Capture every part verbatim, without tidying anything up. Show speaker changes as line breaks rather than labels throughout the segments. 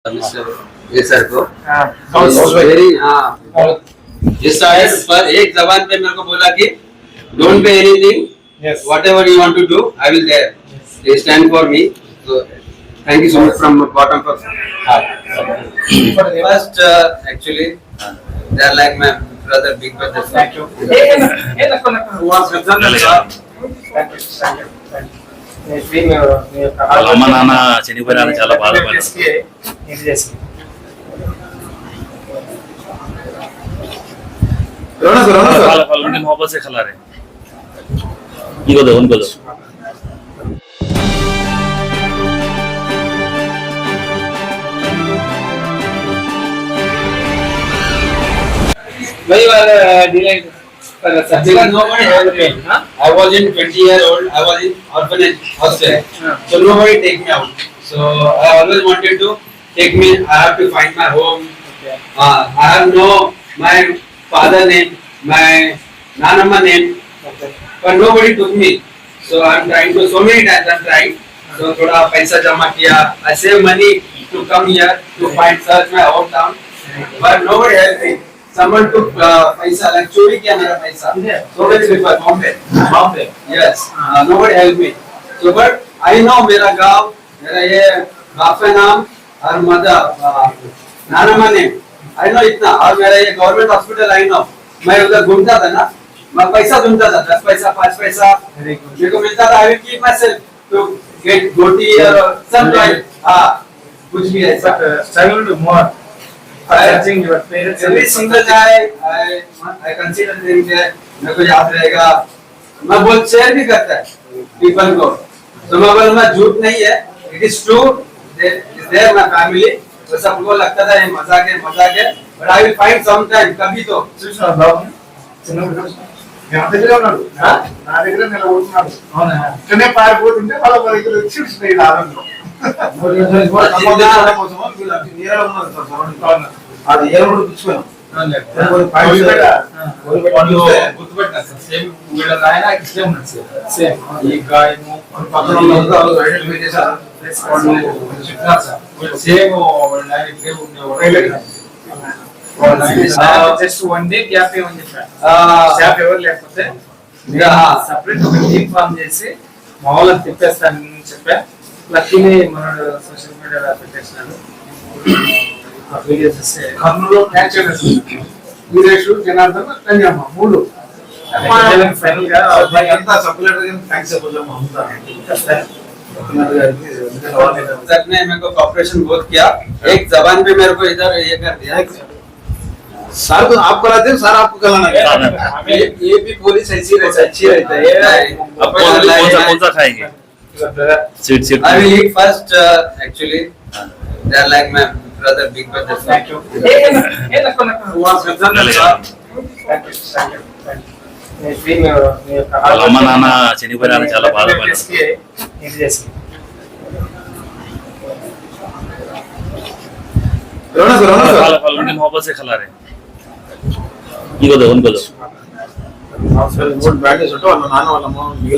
ये सर को वेरी हाँ पर एक जबान पे मेरे को बोला कि don't pay anything, whatever you want to do I will there, they stand for me, so thank you so much from bottom of heart. First actually they are like my brother, big brother. Thank you.
వాళ్ళ అమ్మ నాన్న చనిపోయినా చాలా బాధపడ్డారు. मोहब्बत से खिला रहे इनको दो उनको दो.
वही वाला delight because nobody helped me. Huh? I was in twenty year old. I was in orphanage hostel. Huh. So nobody take me out. So I always wanted to take me. I have to find my home. Okay. Uh, I have no my father name, my nanamma name, okay. But nobody took me. So I'm trying to so many times I'm trying. So थोड़ा पैसा जमा किया. I save money to come here to find search my hometown. But nobody helped me. Someone took uh, paisa, like चोरी किया मेरा पैसा. So many people, Bombay, Bombay. Yes, uh, nobody helped me. So but I know मेरा गाँव, मेरा ये बाप का नाम और मदर नाना नेम. I know इतना और मेरा ये गवर्नमेंट हॉस्पिटल I know. मैं उधर घूमता था ना, मैं पैसा ढूंढता था, दस पैसा, पाँच पैसा मेरे को मिलता था. I will keep myself to get गोटी और सब हाँ कुछ भी ऐसा.
Struggle to more. Searching your parents.
Every single day I I consider things that मेरे को याद रहेगा. मैं बहुत शेयर भी करता है people को. तो मैं बोल मैं झूठ नहीं है. It is true. Is there my family. तो सबको लगता था ये मजाक है मजाक है. But I will find some time कभी तो.
చూసావా బాబు చిన్న నా దగ్గర ఉన్నాడు నా దగ్గర నిలబడుతున్నాడు. అవునా ఇక్కడే పారిపోతుంటే వాళ్ళ దగ్గర వచ్చి చూసినాయి ఆనందం. అది ఏ రోడ్డు పిచ్చిపోయాం గుర్తుపెట్టినా సార్. సేమ్ వీళ్ళ ఆయన సేమ్ ఉన్నది సార్. సేమ్ ఈ గాయము ఐడెంటిఫై చేశారు. చెప్పినారు sir same just one day gap ఏమని చెప్పారు. స్టాఫ్ ఎవరు లేకపోతే సపరేట్ ఒక టీమ్ ఫామ్ చేసి మామూలుగా తిప్పేస్తానని చెప్పా. లక్కీని మనోడు సోషల్ మీడియాలో పెట్టేసినాడు. కర్నూలు వీరేష్ జనార్దన్ రంజమ్మ మూడు ఫైనల్ గా
सर ने मेरे को कॉपरेशन बहुत किया. एक जबान पे मेरे को इधर ये कर दिया.
सर तो आप कराते हैं, सर आपको कराना है.
ये भी पुलिस ऐसी रहता है, अच्छी रहता है.
अब कौन सा कौन सा खाएंगे? Sweet sweet.
I will eat first. Uh, actually, they are like my brother, big brother.
Thank you.
వాళ్ళ అమ్మ నాన్న చనిపోయినా చాలా బాధపడ్డారు. मोहब्बत से खिला रहे इनको दो उनको दो.
నాన్న వాళ్ళమ్మ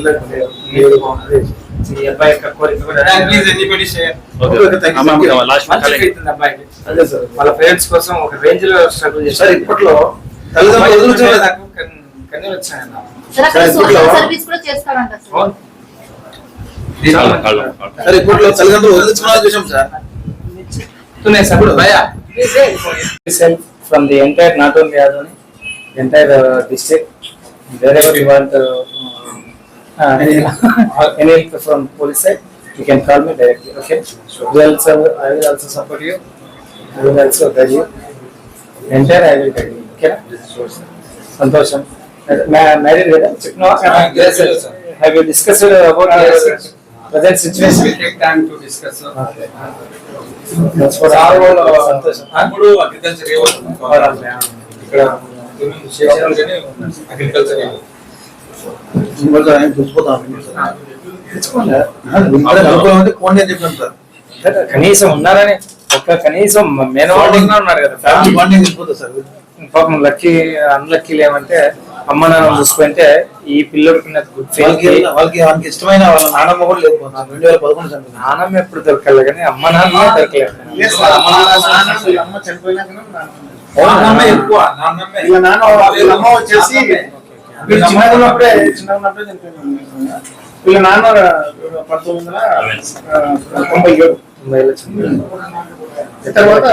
ఈ అబ్బాయి యొక్క కోరిక కూడా
ప్లీజ్ ఎనీబడీ షేర్.
లాస్ట్
అబ్బాయికి అదే సార్ వాళ్ళ పేరెంట్స్ కోసం ఒక రేంజ్ లో స్ట్రగుల్ చేస్తారు. ఇప్పట్లో తల్లిదండ్రులు కన్నీ వచ్చాయన్న
సర్వీస్ కూడా చేస్తారంట సార్.
సార్ ఇప్పట్లో తల్లిదండ్రులు వదిలించుకున్నా చూసాం sir. From the entire, not only Adoni, entire uh, district, wherever you want uh, uh, any, any help from police side, you can call me directly. Okay. We also, I will also support you. I will also guide you. Entire, I will guide you. Okay. Santosham. Married with no.
Yes, sir.
Have you discussed about your present situation?
We take time to discuss.
Okay. That's what I will. Santosham.
మూడు agriculture ఇక్కడ agriculture
కనీసం ఉన్నారని ఒక కనీసం మేనవాళ్ళు ఉన్నారు కదా. పాపం lucky unlucky ఏమంటే అమ్మ నాన్న చూసుకుంటే ఈ పిల్లడికి గుడ్
వాళ్ళకి వాళ్ళకి వాళ్ళకి ఇష్టమైన వాళ్ళ నానమ్మ కూడా లేకపోతుంది రెండు వేల పదకొండు చనిపోయింది.
నాన్నమ్మ ఎప్పుడు దొరకలే కానీ అమ్మ నాన్న దొరకలేదు.
అమ్మ చనిపోయినాక నాన్నమ్మ ఎక్కువ నాన్నమ్మ వీళ్ళ నాన్న వీళ్ళ అమ్మ వచ్చేసి వీళ్ళ అమ్మ ఉన్నప్పుడే చిన్న ఉన్నప్పుడే చనిపోయింది. వీళ్ళ నాన్న పంతొమ్మిది వందల తొంభై ఏడు తర్వాత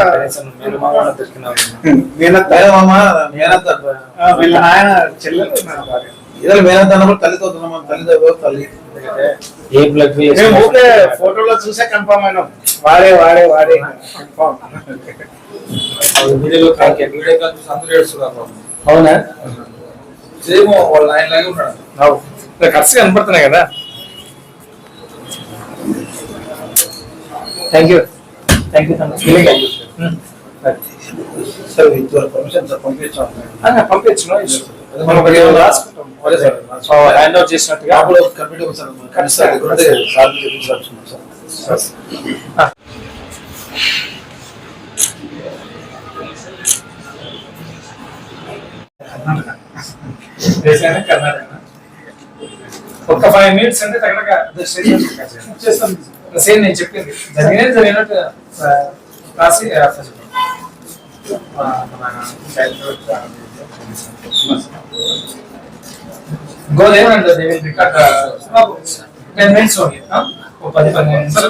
మేనత్త మేనత్త వీళ్ళ నాయన చెల్లెలు ఇదే మేనత్త అన్నప్పుడు తల్లితో తల్లితో తల్లి
ఏ బ్లడ్
మేము ఊరికే ఫోటోలో చూసే కన్ఫర్మ్ అయినాం వాడే వాడే వాడే confirm. Video call video call చూసి అందరూ ఏడుస్తున్నారు.
అవునా?
సేమ్ వాళ్ళ ఆయన లాగే ఉన్నాడు.
అవును ఖర్చు కనపడుతున్నాయి కదా. Thank you thank you
sir with your permission sir పంపించాం.
పంపించు
మనం ఒకటి రాసుకుంటాం. అదే సార్
హ్యాండ్ అవుట్ చేసినట్టుగా
అప్పుడు కంప్యూటర్ సార్ ఖచ్చితంగా సార్ చూపించాల్సింది సార్.
కర్ణాటక ఒక ఫైవ్ మినిట్స్ అంటే తగ్గక చేస్తాం. సేమ్ నేను చెప్పింది జరిగినది జరిగినట్టు రాసి గోదేమంటే రికార్డ్ టెన్ మినిట్స్ ఓన్లీ పది పదిహేను నిమిషాలు